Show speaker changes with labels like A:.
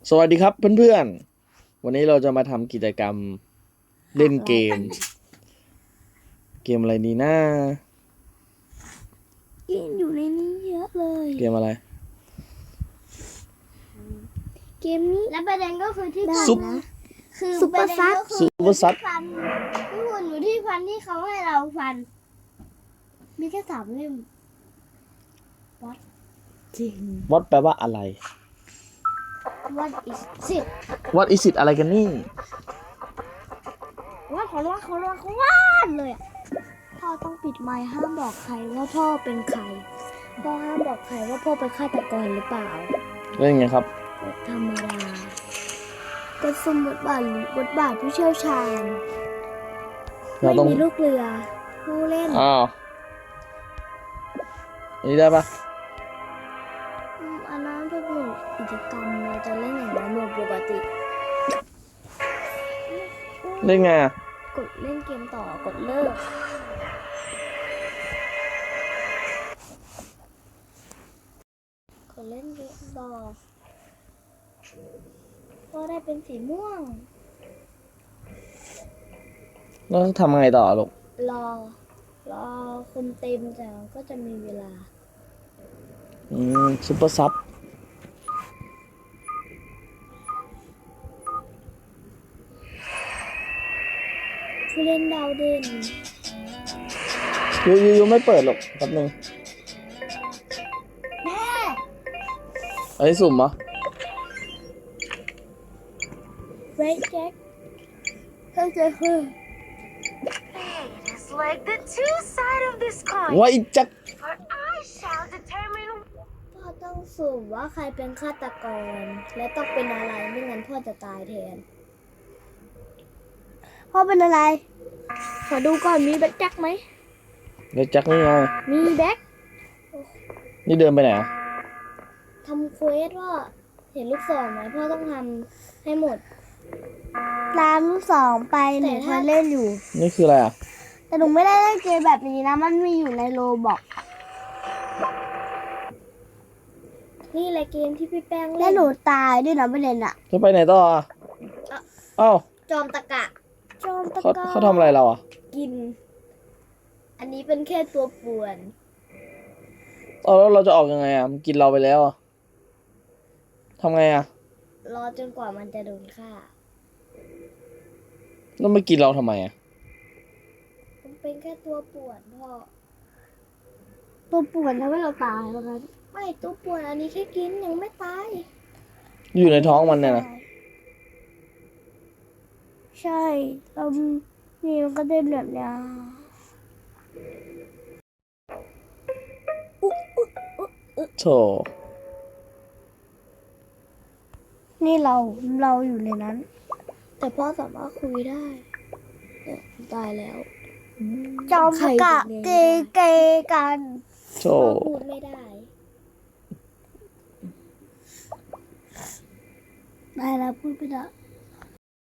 A: สวัสดีครับเพื่อนๆ วันนี้เราจะมาทำกิจกรรมเล่นเกม เกมอะไรดีนะ
B: เกมอยู่ในนี้เยอะเลย
A: เกมอะไร
B: เกมนี้
C: และประเด็นก็คือที่
B: ได้
C: ฟัน
B: นะ
C: คือ
B: ซุปเปอร์ซัด
C: ประด็นก็
A: ซุปเปอร์ซัด
C: ฟันที่หุ่นอยู่ที่ฟันที่เขาให้เราฟัน มีแค่3 เล่ม
B: จริง
A: What แปลว่าอะไร
C: What is it
A: What is it อะไรกันนี่
C: ว่าเขาว่าเลยอ่ะ
B: พ่อต้องปิดไมค์ห้ามบอกใครว่าพ่อเป็นใครพ่อห้ามบอกใครว่าพ่อเป็นฆาตกรหรือเปล่า
A: เล่นไงครับ
B: กดธรรมดากดสุ่มบทบาทหรือบทบาทผู้เชี่ยวชาญ
A: เรา
B: ไม่
A: ต้อง
B: มีลูกเรือ ผู้เล่น
A: อ้าวอันนี้ได้ปะ
B: อันนั้นเป็นหมวดกิจกรรมเราจะเล่นอย่างไรหมวดปกติ
A: เล่นไงอะ
B: กดเล่นเกมต่อกดเลิกกดเล่นเกมต่อก็ได้เป็นสีม่วง
A: แล้วทำไงต่อลูก
B: รอคนเต็มแต่ก็จะมีเวลา
A: ซุปเปอร์ซับ
B: ผู้เล่นดาวเด่น
A: ยูไม่เปิดหรอกแป๊บนึง
C: แม่
A: อันนี้สุ่มเหรอ
B: เรดแจ็ค
C: เข้าใจคือ
D: It's like the two sides of this coin.
A: ว่าอีจัก
D: For I shall determine
B: พ่อต้องสุ่มว่าใครเป็นฆาตกร และต้องเป็นอะไรไม่งั้นพ่อจะตายแทน
C: พ่อเป็นอะไร
B: ขอดูก่อนมีแบ็คแจ็คไหม
A: เดี๋ยวจักนี่ไง
B: มีแบ็ค
A: นี่เดินไปไหนอะ
B: ทำเควสว่าเห็นลูกศรไหมพ่อต้องทำให้หมด
C: ตามลูกศรไปห
B: แต่
C: นูเค
B: ถ้า
C: ยเล่นอยู่
A: นี่คืออะไรอะ
C: แต่หนูไม่ได้เล่นเกมแบบนี้นะ มันมีอยู่ในโรบอก
B: นี่แหละเกมที่พี่แป้ง
C: และ
B: เล่น
C: หนูตายด้วยนะประเด็นอะ
A: จะไปไหนต่ออะอ้าว
B: จอมตะกะ
C: จอมตะ
A: เขา
C: กร้
A: เขาทำอะไรเราอะ
B: กิน อันนี้เป็นแค่ตัวป่วน
A: แล้วเราจะออกยังไงอะมันกินเราไปแล้วอะทำไงอะ
B: รอจนกว่ามันจะโดนฆ่า
A: แล้วไม่กินเราทำไมอะ
B: มันเป็นแค่ตัวป่วนพ่อ
C: ตัวป่วนทำให้เราตายแล้วกัน
B: ไม่ตัวป่วนอันนี้แค่กินยังไม่ตาย
A: อยู่ในท้องมันเนี่ยนะ
C: ใช่เรานี่มันก็ได้แบบเนี้ย
A: โถ
C: นี่เราอยู่ในนั้น
B: แต่พ่อสามารถคุยได้เนี่ยตายแล้ว
C: จอมตะกะเกกัน
A: โถ
B: พ่อพูดไม่ได้
C: ได้แล้วพูดไปแล้ว